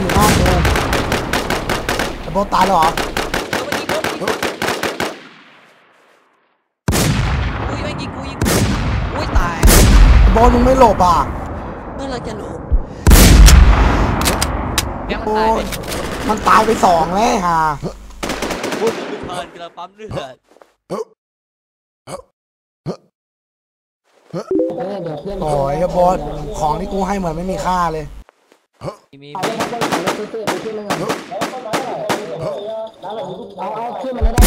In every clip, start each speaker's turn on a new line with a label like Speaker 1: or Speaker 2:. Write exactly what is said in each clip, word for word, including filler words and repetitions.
Speaker 1: อยู่หน้ากูไอ้โบตายแล้วเหรอ
Speaker 2: อุ้ยไม่ยิงกูยิงอุ้ยตาย
Speaker 1: โบมึงไม่หลบอ่ะ
Speaker 2: เมื่อไรจะหลบ
Speaker 1: โอ้ยมันตายไปสองแล้วฮะ
Speaker 2: พูดไม่ทันกระปั๊มเลือด
Speaker 1: โอ้ยโบสของที่กูให้เหมือนไม่มีค่าเลย
Speaker 2: มี
Speaker 3: เอาเอาขึ้นมาแล้วได้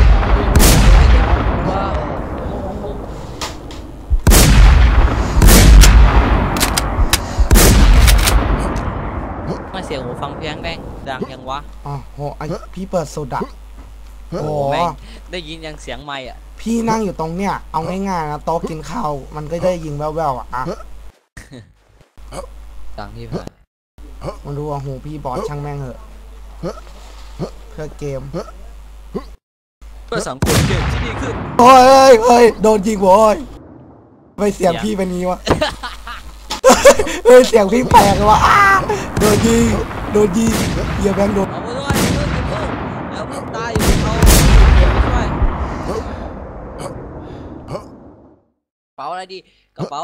Speaker 2: มาเสียงหูฟังเพียงแดงดังยังวะ
Speaker 1: อ๋อโหไอพี่เปิดสุดอ่ะโอ้
Speaker 2: ได้ยินยังเสียงไม่อ่ะ
Speaker 1: พี่นั่งอยู่ตรงเนี้ยเอาง่ายๆนะโต๊ะกินข้าวมันก็ได้ยิงแว่วๆอ่ะ
Speaker 2: ดังที่ผ่าน
Speaker 1: มันรู้ว่าหูพี่บอสช่างแม่งเหอะเพื่อเกม
Speaker 2: เพื่อสังคมเกมที่ดีขึ้น
Speaker 1: โอ้ยเฮ้ยโดนยิงโว้ยไปเสียงพี่เป็นนี้วะเฮ้ยเสียงพี่แปลกเลยวะโดนยิงโดนยิงเหี้ยแบงค์โดน
Speaker 2: เอาไปด้วยแล้วมึงตายอยู่เขาช่วยเป๋าอะไรดีกระเป๋า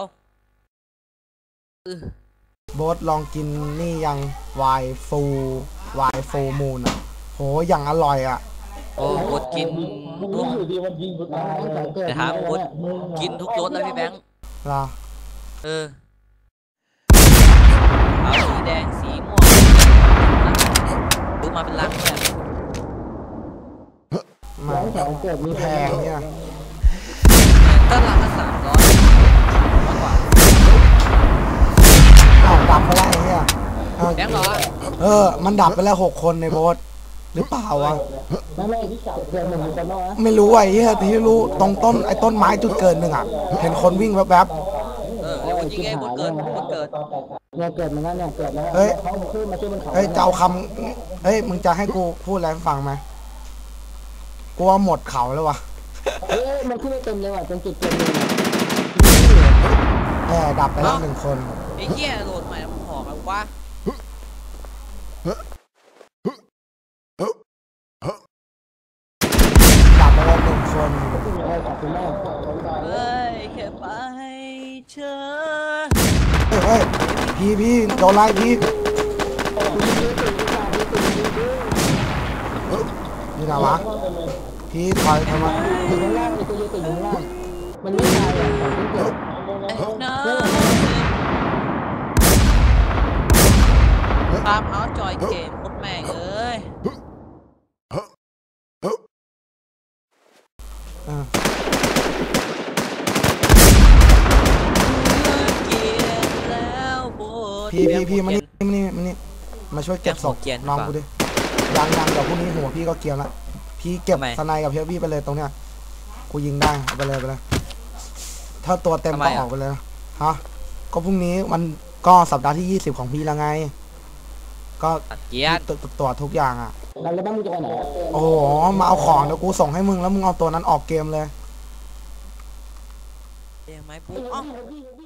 Speaker 1: โบสลองกินนี่ยังไวน์ฟูไวน์ฟูมูนอ่ะโหอย่างอร่อยอ่ะ
Speaker 2: โอ้โบสกินทุกแต่ถามโบสกินทุกรสแล้วพี่แบงค์
Speaker 1: เหรอ
Speaker 2: เออเอาสีแดงสีม่วงดูมาเป็นลังเลย
Speaker 1: มาแพงเนี่ย
Speaker 2: ก็ลังละสามร้อยมากกว่า
Speaker 1: เอาดับไปแล้วไอ้เนี่ย
Speaker 2: แบงค์เหรอ
Speaker 1: เออมันดับไปแล้วหกคนในโบสหรือเปล่าวะไม่รู้ไอ้เหี้ยที่รู้ตรงต้นไอ้ต้นไม้จุดเกิดหนึ่งอ่ะเห็นคนวิ่งแวบ
Speaker 2: ๆเออแล้วยิงไงบนเกิดบนเกิด
Speaker 3: เนี่ยเกิดมันก็เนี่ยเกิดแล้ว
Speaker 1: เฮ้ยเฮ้ยเจ้าคำเฮ้ยมึงจะให้กูพูดอะไรฟังไหมกูว่าหมดเขาแล้ววะ
Speaker 3: เฮ้ยมันขึ้นไม่เต็มเลยว่ะจนจุดเต็มเลย
Speaker 1: แอบดับไปแล้วหนึ่งคน
Speaker 2: ไอ้เหี้ยโหลดใหม่แล้วหอกแล้ววะ
Speaker 1: ดับไปแล้วหนึ่งคน
Speaker 2: เฮ้ยแค่ไปเชิญ
Speaker 1: เฮ้ยพี่พี่โดนไล่พี่นี่นะวะพี่ถอยทำไม
Speaker 3: มันไม่ตายอ่ะ
Speaker 2: ตามเอาจอยเกมหมดแม่งเอ้ย
Speaker 1: พี่พี่พี่มานี่มานี่มานี่มาช่วยเก็บศพน้องกูดิยังยังเดี๋ยวพรุ่งนี้หัวพี่ก็เกี่ยวละพี่เก็บสไนกับเฮฟวี่ไปเลยตรงเนี้ยกูยิงได้ไปเลยไปเลยถ้าตัวเต็มก็ออกไปเลยฮะก็พรุ่งนี้มันก็สัปดาห์ที่ยี่สิบของพี่แล้วไงก็
Speaker 2: เกียร์
Speaker 1: ตัวทุกอย่างอ่ะ
Speaker 3: แล้วบ้านมึงจะไปไหน
Speaker 1: โอ้โหมาเอาของเดี๋ยวกูส่งให้มึงแล้วมึงเอาตัวนั้นออกเกมเลย
Speaker 2: เดี๋ยวไหมปุ๊บ